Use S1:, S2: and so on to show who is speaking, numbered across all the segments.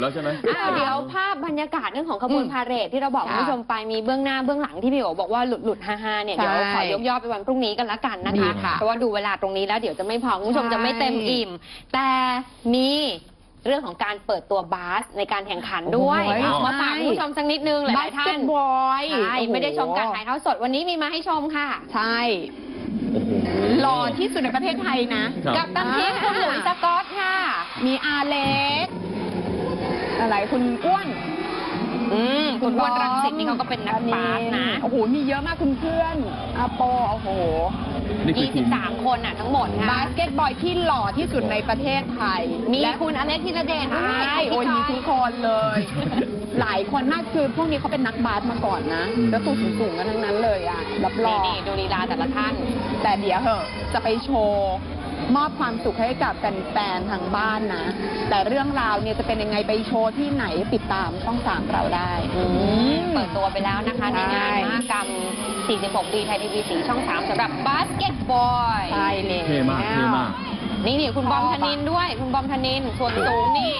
S1: แล้วใช่ไหม
S2: เดี๋ยวภาพบรรยากาศเรื่องของขบวนพาเหรดที่เราบอกคุณผู้ชมไปมีเบื้องหน้าเบื้องหลังที่พี่โอบอกว่าหลุดฮาเนี่ยเดี๋ยวขอยกย่อไปวันพรุ่งนี้กันละกันนะคะเพราะว่าดูเวลาตรงนี้แล้วเดี๋ยวจะไม่พอคุณผู้ชมจะไม่เต็มอิ่มแต่มีเรื่องของการเปิดตัวบาสในการแข่งขันด้วยมาฝากคุณผู้ชมสักนิดนึงหลายท่าน
S3: บอย
S2: ใช่ไม่ได้ชมการถ่ายทอดสดวันนี้มีมาให้ชมค่ะ
S3: ใช่หล่อที่สุดในประเทศไทยนะ
S2: กับตันทีมคุณหลุยส์สกอตค่ะ
S3: มีอาเล็กอะไรคุณอ้วน
S2: คุณอ้วนรังสิตนี่เขาก็เป็นนักบาสนะ
S3: โอ้โหมีเยอะมากคุณเพื่อนอาโปโอ้โห
S2: 23 คนทั้งหมดค่ะ
S3: บาสเกตบอลที่หล่อที่สุดในประเทศไทย
S2: มีคุณอเล็กธีรเดชด้วย
S3: โอ้ยมีทุกคนเลยหลายคนมากคือพวกนี้เขาเป็นนักบาสมาก่อนนะแล้วตัวสูงๆกันทั้งนั้นเลยอ่ะรับรอง
S2: นี่ดูลีลาแต่ละท่าน
S3: แต่เดี๋ยวเหอะจะไปโชว์มอบความสุขให้กับแฟนๆทางบ้านนะแต่เรื่องราวเนี่ยจะเป็นยังไงไปโชว์ที่ไหนติดตามช่อง 3เราได้
S2: เปิดตัวไปแล้วนะคะในงานมหกรรม46 ปีไทยทีวีสีช่อง 3สำหรับบาสเกตบอล
S3: ใช่เลย
S1: เท่มากเท่มาก
S2: นี่คุณบอมธนินด้วยคุณบอมธนินส่วนสูงนี่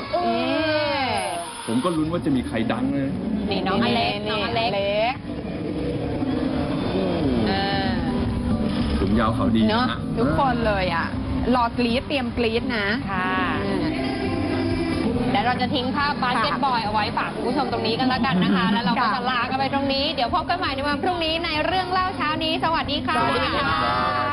S1: ผมก็ลุ้นว่าจะมีใครดังเลย
S2: นี่น้องอเล็กน้องอเล็ก
S1: สูงยาวเขาดี
S3: เนาะทุกคนเลยอ่ะรอกรี๊ดเตรียมกรี๊ดนะ
S2: ค่ะแล้วเราจะทิ้งภาพบาสเกตบอลเอาไว้ฝากคุณผู้ชมตรงนี้กันแล้วกันนะคะแล้วเราก็จะลากันไปตรงนี้เดี๋ยวพบกันใหม่ในวันพรุ่งนี้ในเรื่องเล่าเช้านี้สวัสดีค่ะ